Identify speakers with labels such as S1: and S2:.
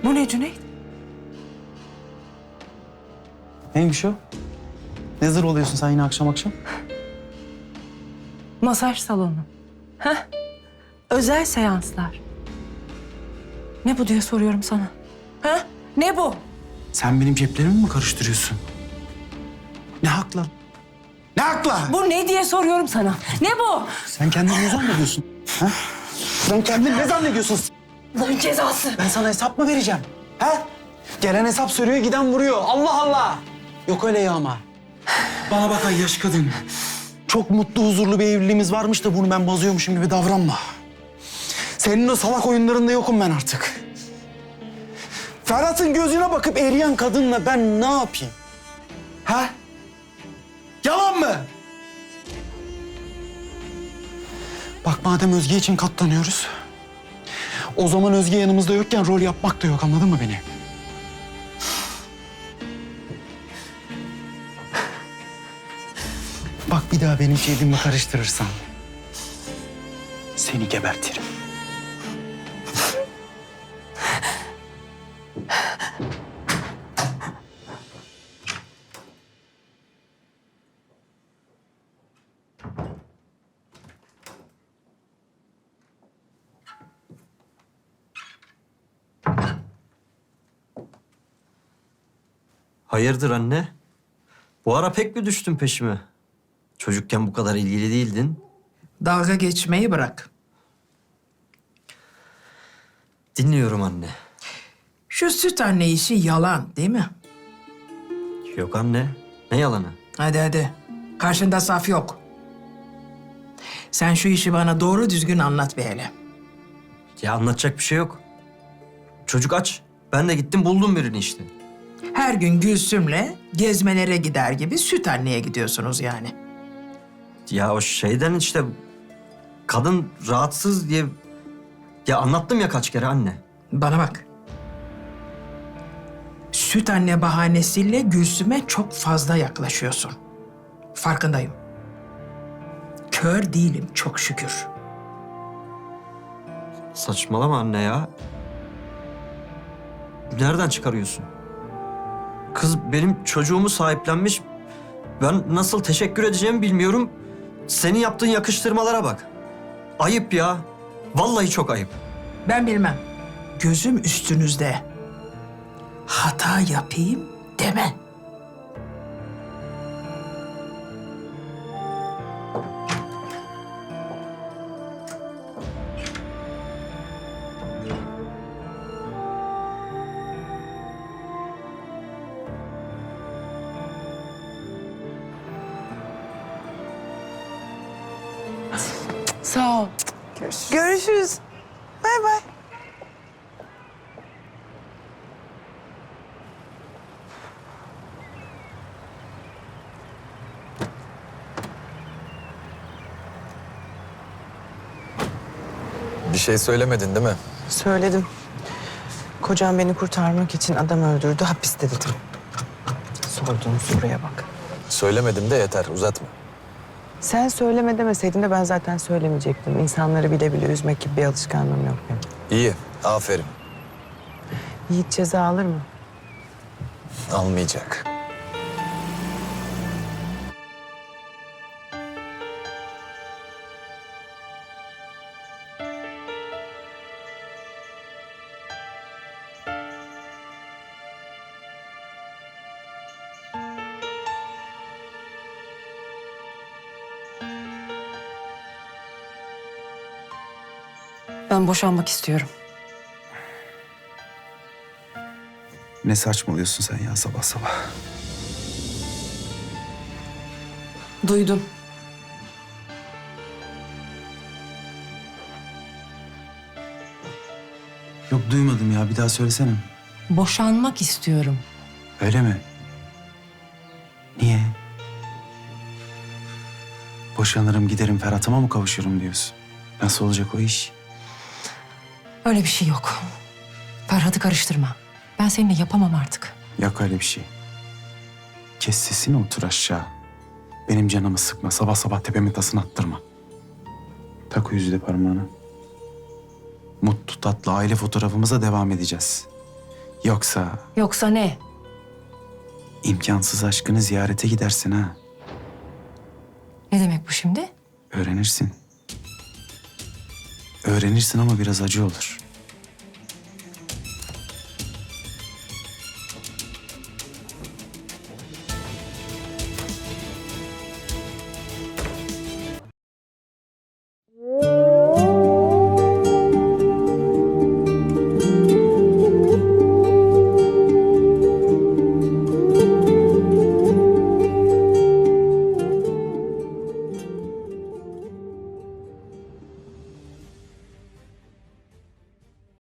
S1: Bu ne Cüneyt?
S2: Neymiş o? Ne zır oluyorsun sen yine akşam akşam?
S1: Masaj salonu. Heh. Özel seanslar. Ne bu diye soruyorum sana. Ha? Ne bu?
S2: Sen benim ceplerimi mi karıştırıyorsun? Ne hakla? Ne hakla?
S1: Bu ne diye soruyorum sana. Ne bu?
S2: Sen kendini ne zannediyorsun? Ha? Sen kendini ne zannediyorsun?
S1: Allah'ın cezası.
S2: Ben sana hesap mı vereceğim? Ha? Gelen hesap soruyor, giden vuruyor. Allah Allah! Yok öyle ya ama. Bana bak ay yaş kadın. Çok mutlu, huzurlu bir evliliğimiz varmış da bunu ben bozuyormuşum gibi davranma. Senin o salak oyunlarında yokum ben artık. Ferhat'ın gözüne bakıp eriyen kadınla ben ne yapayım? Ha? Yalan mı? Bak madem Özge için katlanıyoruz, o zaman Özge yanımızda yokken rol yapmak da yok, anladın mı beni? Bak bir daha benim şeyimi karıştırırsan seni gebertirim.
S3: Hayırdır anne? Bu ara pek mi düştün peşime? Çocukken bu kadar ilgili değildin.
S4: Dalga geçmeyi bırak.
S3: Dinliyorum anne.
S4: Şu süt anne işi yalan değil mi?
S3: Yok anne. Ne yalanı?
S4: Hadi hadi. Karşında saf yok. Sen şu işi bana doğru düzgün anlat bir hele.
S3: Ya anlatacak bir şey yok. Çocuk aç. Ben de gittim buldum birini işte.
S4: Her gün Gülsüm'le gezmelere gider gibi süt anneye gidiyorsunuz yani.
S3: Ya o şeyden işte kadın rahatsız diye... Ya anlattım ya kaç kere anne.
S4: Bana bak. Süt anne bahanesiyle Gülsüm'e çok fazla yaklaşıyorsun. Farkındayım. Kör değilim çok şükür.
S3: Saçmalama anne ya. Nereden çıkarıyorsun? Kız benim çocuğumu sahiplenmiş. Ben nasıl teşekkür edeceğimi bilmiyorum. Senin yaptığın yakıştırmalara bak. Ayıp ya. Vallahi çok ayıp.
S4: Ben bilmem. Gözüm üstünüzde. Hata yapayım deme.
S1: Sağ ol.
S5: Görüşürüz. Bay bay.
S6: Bir şey söylemedin değil mi?
S5: Söyledim. Kocam beni kurtarmak için adam öldürdü, hapiste dedim. Sorduğun soruya bak.
S6: Söylemedim de yeter, uzatma.
S5: Sen söyleme demeseydin de ben zaten söylemeyecektim. İnsanları bile bile üzmek gibi bir alışkanlığım yok benim.
S6: İyi, aferin.
S5: Yiğit ceza alır mı?
S6: Almayacak.
S1: Ben boşanmak istiyorum.
S2: Ne saçmalıyorsun sen ya sabah sabah?
S1: Duydum.
S2: Yok duymadım ya, bir daha söylesene.
S1: Boşanmak istiyorum.
S2: Öyle mi? Niye? Boşanırım giderim Ferhat'ıma mı kavuşurum diyorsun? Nasıl olacak o iş?
S1: Öyle bir şey yok. Ferhat'ı karıştırma. Ben seninle yapamam artık.
S2: Yok öyle bir şey. Kes sesini, otur aşağı. Benim canımı sıkma, sabah sabah tepemin tasını attırma. Tak o yüzüğü parmağına. Mutlu tatlı aile fotoğrafımıza devam edeceğiz.
S1: Yoksa ne?
S2: imkansız aşkını ziyarete gidersin ha.
S1: Ne demek bu şimdi?
S2: Öğrenirsin. Öğrenirsin ama biraz acı olur.